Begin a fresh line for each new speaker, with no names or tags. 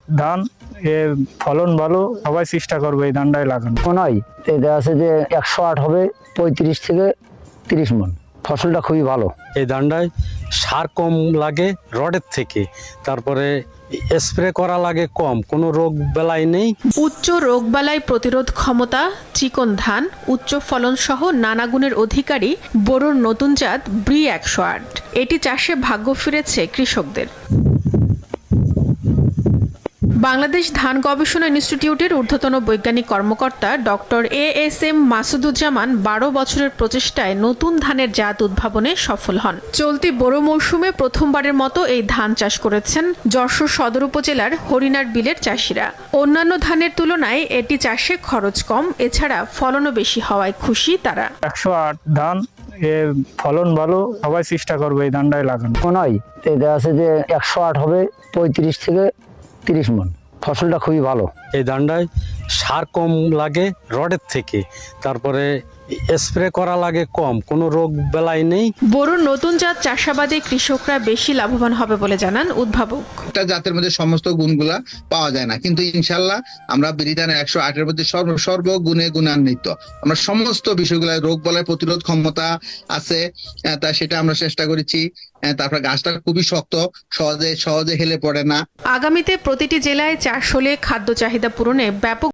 ধান, এর ফলন ভালো, সবাই চেষ্টা করবে এই ধানটাই লাগানো।
মনে হয় এটা আছে যে 108 হবে 35 থেকে 30 মণ। ফসলটা খুবই ভালো।
এই ধানটায় সার কম লাগে রডের থেকে, তারপরে স্প্রে করা লাগে কম, কোনো রোগ বেলাই নেই।
উচ্চ রোগবালাই প্রতিরোধ ক্ষমতা, চিকন ধান, উচ্চ ফলন সহ নানা গুণের অধিকারী বোরোর নতুন জাত ব্রি 108। এটি চাষে ভাগ্য ফিরেছে কৃষকদের। বাংলাদেশ ধান গবেষণা ইনস্টিটিউটের ঊর্ধ্বতন বৈজ্ঞানিক কর্মকর্তা ডক্টর এএসএম মাসুদুজ্জামান 12 বছরের প্রচেষ্টায় নতুন ধানের জাত উদ্ভাবনে সফল হন। চলতি বোরো মৌসুমে প্রথমবারের মতো এই ধান চাষ করেছেন যশোর সদর উপজেলার হরিণার বিলের চাষিরা। অন্যান্য ধানের তুলনায় এটি চাষে খরচ কম, এছাড়া ফলনও বেশি হওয়ায় খুশি তারা।
108 ধান, এর ফলন ভালো, সবাই চেষ্টা করবে এই ধানটাই লাগানো।
মনে হয় এটা আছে যে 108 হবে 35 থেকে 30 মণ। ফসলটা খুবই ভালো।
এই ধানটায় সার কম লাগে রডের থেকে, তারপরে স্প্রে করা লাগে কম, কোনো রোগ বেলাই নেই।
বোরোর নতুন জাত চাষাবাদে কৃষকরা বেশি লাভবান হবে বলে জানান উদ্ভাবক।
একটা জাতের মধ্যে সমস্ত গুণগুলা পাওয়া যায় না, কিন্তু ইনশাল্লাহ আমরা বিরিধানের 108-এর মধ্যে সর্বগুণে গুণান্বিত। আমরা সমস্ত বিষয়গুলো, রোগ বলায় প্রতিরোধ ক্ষমতা আছে, তা সেটা আমরা চেষ্টা করেছি। তারপর গাছটা খুবই শক্ত, সহজে হেলে পড়ে না।
আগামীতে প্রতিটি জেলায় চাষ হলে খাদ্য চাহিদা পূরণে ব্যাপক